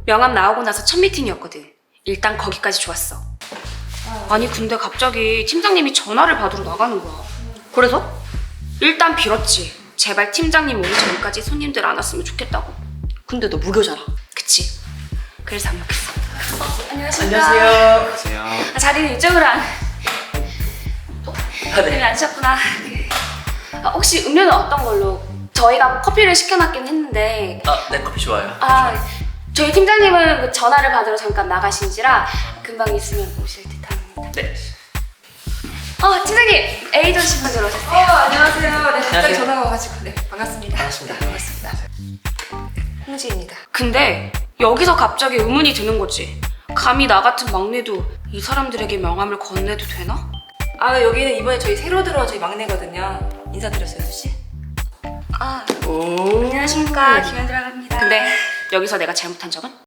명함 나오고 나서 첫 미팅이었거든. 일단 거기까지 좋았어. 아니 근데 갑자기 팀장님이 전화를 받으러 나가는 거야. 그래서? 일단 빌었지. 제발 팀장님 오기 전까지 손님들 안 왔으면 좋겠다고. 근데 너 무교잖아. 그치? 그래서 안 먹겠어. 안녕하세요. 자리는 이쪽으로 안. 네. 네, 앉으셨구나. 혹시 음료는 어떤 걸로? 저희가 커피를 시켜놨긴 했는데. 네, 커피 좋아요. 저희 팀장님은 그 전화를 받으러 잠깐 나가신지라 금방 있으면 오실 듯합니다. 네. 팀장님 에이전시 분들 오셨어요. 안녕하세요. 네, 갑자기 안녕하세요. 전화가 와가지고. 네, 반갑습니다. 반갑습니다. 네, 반갑습니다. 홍지입니다. 근데 여기서 갑자기 의문이 드는 거지. 감히 나 같은 막내도 이 사람들에게 명함을 건네도 되나? 여기는 이번에 저희 새로 들어온 저희 막내거든요. 인사드렸어요, 수씨? 안녕하십니까. 김현주라고 합니다. 근데 여기서 내가 잘못한 적은?